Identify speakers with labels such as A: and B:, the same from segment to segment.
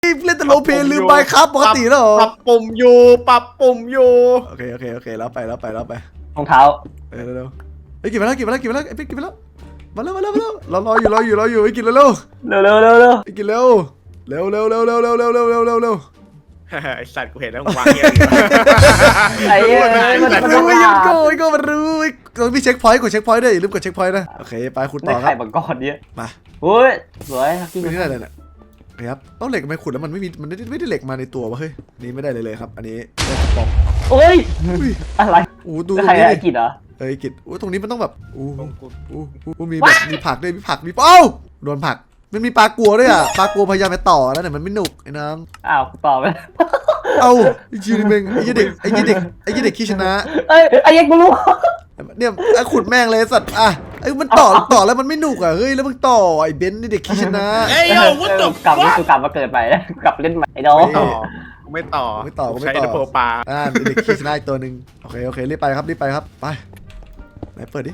A: เล่นแต่โลเพลืมไปครับปกติแล้วเหรอ
B: ปรับปุ่มอยู่
A: โอเคแล้วไป
C: รองเท้า
A: เร็วไอ้กินไปแล้วไอ้ปิ๊กกินไปแล้วมาแล้วรออยู่ไอ้กินเร็วไอ้กินเร็ว
B: ไอสัตว์กูเห็นแล้ววางเงี้ย
C: ไอ้
A: มันรู้ยังโก้มันรู้ต้องมีเช็คพอยต์กดเช็คพอยต์ด้วยอย่าลืมกดเช็คพอยต์นะโอเคไปขุดต่อครั
C: ไข่
A: บ
C: บังกรเนี่ย
A: มา
C: โอ้ยสวยที่
A: ไม่ได้เลยเนี่ยครับต้องเหล็กไม่ขุดแล้วมันไม่ได้เหล็กมาในตัววะเฮ้ยนี่ไม่ได้เลยครับอันนี้ได้กระป๋อง
C: โอ้ยอะไร
A: ดู
C: ใครไอ้กิจเหรอ
A: กิจตรงนี้มันต้องแบบมีแบบมีผักด้วยมีเอ้าโดนผักมันมีปลากัวด้วยอ่ะปลากัวพยายามไปต่อแล้วเนี่ยมันไม่หนุกไอ้น้อง
C: อ้าวต่อไป
A: เอ้าไอ้ชื่อนี่เองไอ้ยี่เด็กขี้ชนะ
C: ไอ้ยังกูรู้
A: เนี่ยขุดแม่งเลยสัตว์อ่ะไอ้มันต่อแล้วมันไม่หนุกอ่ะเฮ้ยแล้วมึงต่อไอ้เบนซ์นี่เด็กขี้ชนะ
C: กลับมาเกิดใหม่แล้วกลับเล่นใหม่ไอ้น้อง
B: ไม่ต่อใช้โปรปลา
A: เด็กขี้ชนะอีกตัวหนึ่งโอเครีบไปครับไปไหนเปิดดิ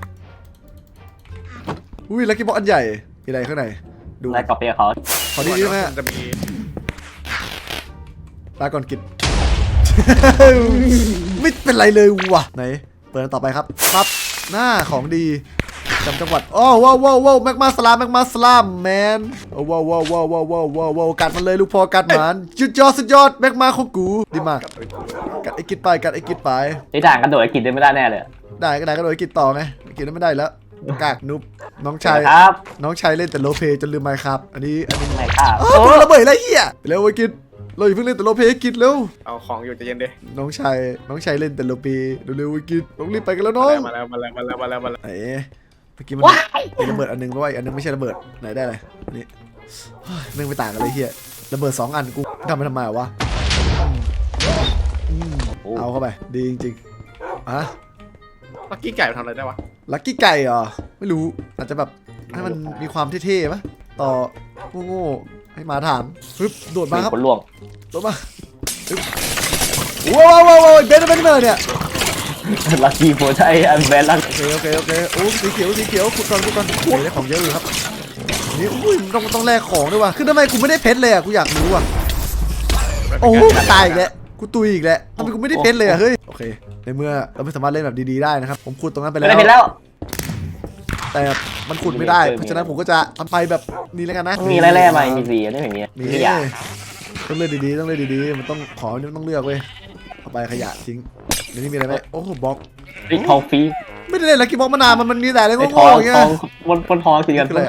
A: อุ้ยลักกี้บ็อกอันใหญ่มีอะไรข้างในดู
C: แล้วกลับไปกับเขา
A: ขอดีไหม
B: จะมี
A: ลาก่อนกิจ ไม่เป็นไรเลยว่ะไหนเปิดต่อไปครับปั๊บหน้าของดีจำจังหวัดอ๋อว้าวแม็กมาสลามแมนว้าวกัดมันเลยลูกพอกัดมันสุดยอดแม็กมาของกูดีมากกัดไอ้กิจไป
C: ไอ้ด่างกระโดดไอ้กิจได้ไม่ได้แน่เลย
A: ได้ก็โดยกิจต่อไงกิจไม่ได้แล้วกากนุบน้องชายเล่นแต่โลเพจนลืมไมค์ครับอันนี้
C: ไม่ครับ
A: ระเบิดอะไรเหี้ยเร็วไอ้กิจเราอย่าเพิ่งเล่นแต่โลเพกิจเร็ว
B: เอาของอยู่ใจเย็นดิ
A: น้องชายเล่นแต่โลเพเร็วไอ้กิจต้องรีบไปกันแล้วน้อง
B: มาแล้ว
A: ไหนเมื่อกี้มันมีระเบิดอันนึงด้วยอันนึงไม่ใช่ระเบิดไหนได้เลยนี่แม่งไม่ต่างกันเลยเฮียระเบิด2 อันกูทำไปทำไมวะเอาเข้าไปดีจริงๆอะ
B: ลักกี้ไก่ทำอะไรได้วะ
A: ลักกี้ไก่เหรอไม่รู้อาจจะแบบให้มันมีความเท่ๆป่ะต่อโง่ให้มาถามปึ๊บโดดมาครับ
C: คนล่วง
A: โดดมาว้าวเบนเนี่ย
C: ลักกี้โฟใช่อันแบนลัก
A: โอเคโอ้สีเขียวขุดก่อนได้ของเยอะอยู่ครับนี่อุ้ยต้องแลกของด้วยว่ะคือทำไมกูไม่ได้เพชรเลยอ่ะกูอยากรู้อ่ะโอ้ตายอีกแล้วกูตุยอีกแล้วทำไมกูไม่ได้เพชรเลยอ่ะเฮ้ยโอเคในเมื่อเราไม่สามารถเล่นแบบดีๆได้นะครับผมขุดตรงนั้นไปแล้วแต่มันขุดไม่ได้เพราะฉะนั้นผมก็จะทำไปแบบนี้แล้วกันนะ
C: มีแร่ๆใหม่มีสีนี่อย่างเงี้ย
A: มีต้องเล่นดีๆมันต้องขอต้องเลือกเว้ยเอาไปขยะทิ้งในนี้มีอะไรไหมโอ้โหบล็อก
C: ทองฟรี
A: ไม่ได้เล่นลักกี้บ็อกมานานมันมีแต่อะไรโง่ๆอย่างเงี้ย
C: บนทองคือกัน